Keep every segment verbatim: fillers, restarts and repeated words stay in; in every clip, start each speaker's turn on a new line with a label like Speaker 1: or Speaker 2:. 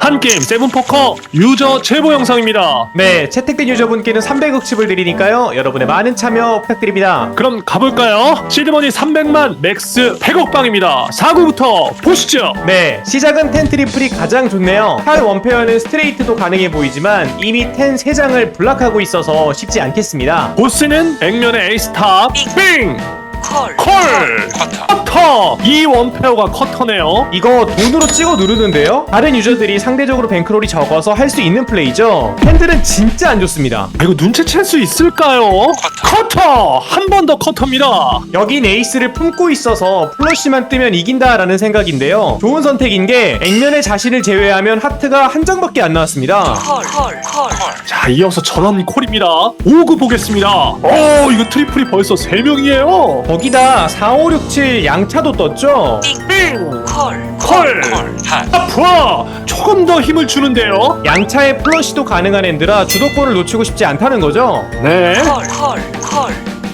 Speaker 1: 한게임 세븐포커 유저 제보 영상입니다.
Speaker 2: 네, 채택된 유저분께는 삼백억 칩을 드리니까요, 여러분의 많은 참여 부탁드립니다.
Speaker 1: 그럼 가볼까요? 시드머니 삼백만, 맥스 백억 방입니다. 사 구부터 보시죠.
Speaker 2: 네, 시작은 텐 트리플이 가장 좋네요. 하위 원페어는 스트레이트도 가능해 보이지만 이미 텐 세 장을 블락하고 있어서 쉽지 않겠습니다.
Speaker 1: 보스는 액면의 에이스탑 빙!
Speaker 3: 콜,
Speaker 1: 콜!
Speaker 3: 커터.
Speaker 1: 커터! 이 원페어가 커터네요.
Speaker 2: 이거 돈으로 찍어 누르는데요? 다른 유저들이 상대적으로 뱅크롤이 적어서 할 수 있는 플레이죠. 팬들은 진짜 안 좋습니다.
Speaker 1: 아, 이거 눈치챌 수 있을까요? 커터! 한 번 더 커터입니다.
Speaker 2: 여긴 에이스를 품고 있어서 플러시만 뜨면 이긴다라는 생각인데요. 좋은 선택인 게 액면의 자신을 제외하면 하트가 한 장밖에 안 나왔습니다.
Speaker 3: 콜, 콜, 콜.
Speaker 1: 자, 이어서 전원 콜입니다. 오 구 보겠습니다. 오, 이거 트리플이 벌써 세 명이에요.
Speaker 2: 거기다 사, 오, 육, 칠 양차도 떴죠.
Speaker 1: 빙!
Speaker 3: 콜,
Speaker 1: 콜!
Speaker 3: 콜, 핫.
Speaker 1: 아프아! 조금 더 힘을 주는데요.
Speaker 2: 양차에 플러시도 가능한 엔드라 주도권을 놓치고 싶지 않다는 거죠.
Speaker 1: 네.
Speaker 3: 콜, 콜, 콜.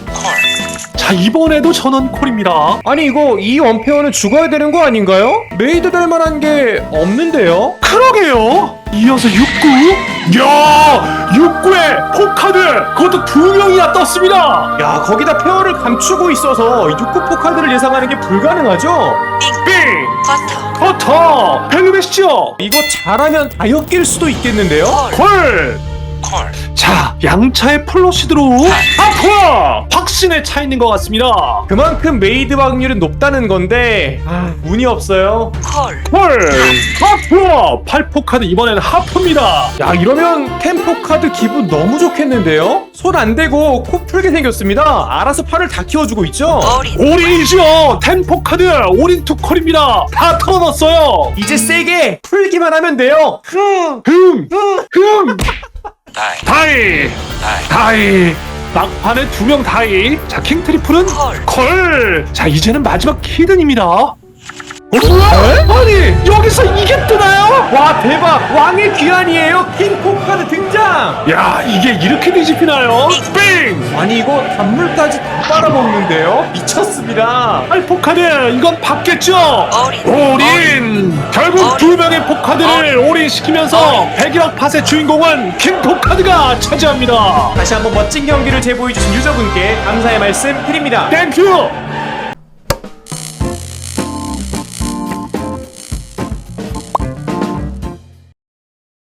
Speaker 1: 자, 이번에도 전원 콜입니다.
Speaker 2: 아니 이거 이 원페어는 죽어야 되는 거 아닌가요? 메이드 될 만한 게 없는데요?
Speaker 1: 그러게요. 이어서 육 구. 야, 육 구에 포카드. 그것도 두 명이나 떴습니다.
Speaker 2: 야, 거기다 페어를 감추고 있어서 육 구 포카드를 예상하는 게 불가능하죠?
Speaker 1: 빙!
Speaker 3: 커터.
Speaker 1: 커터! 벨루베시죠.
Speaker 2: 이거 잘하면 다 엮일 수도 있겠는데요?
Speaker 1: 콜!
Speaker 3: 콜.
Speaker 1: 자, 양차의 플러시드로 아프아! 확신에 차 있는 것 같습니다.
Speaker 2: 그만큼 메이드 확률은 높다는 건데 아, 운이 없어요.
Speaker 3: 콜.
Speaker 1: 콜! 하프! 팔 포카드 이번에는 하프입니다.
Speaker 2: 야, 이러면 템포 카드 기분 너무 좋겠는데요? 손 안 대고 코 풀게 생겼습니다. 알아서 팔을 다 키워주고 있죠?
Speaker 3: 어린.
Speaker 1: 올인이죠. 텐 포카드 올인 투 콜입니다. 다 털어놨어요.
Speaker 2: 이제 세게 풀기만 하면 돼요. 흠.
Speaker 1: 흠! 흠!
Speaker 3: 다이.
Speaker 1: 다이!
Speaker 3: 다이.
Speaker 1: 다이! 막판에 두 명 다이. 자, 킹 트리플은
Speaker 3: 콜.
Speaker 1: 콜! 자, 이제는 마지막 히든입니다. 어? 아니, 여기서 이게 뜨나요?
Speaker 2: 와, 대박! 왕의 귀환이에요. 킹포 카드 등장.
Speaker 1: 야, 이게 이렇게 뒤집히나요? 빙!
Speaker 2: 아니 이거 단물까지 다 빨아먹는데요? 미쳤습니다.
Speaker 1: 팔 포카드 이건 받겠죠?
Speaker 3: 어린.
Speaker 1: 올인! 결국
Speaker 3: 어린.
Speaker 1: 두 명의 포카드를 올인시키면서 백일억 팟의 주인공은 킹 포카드가 차지합니다.
Speaker 2: 다시 한번 멋진 경기를 제보해주신 유저분께 감사의 말씀 드립니다.
Speaker 1: 땡큐!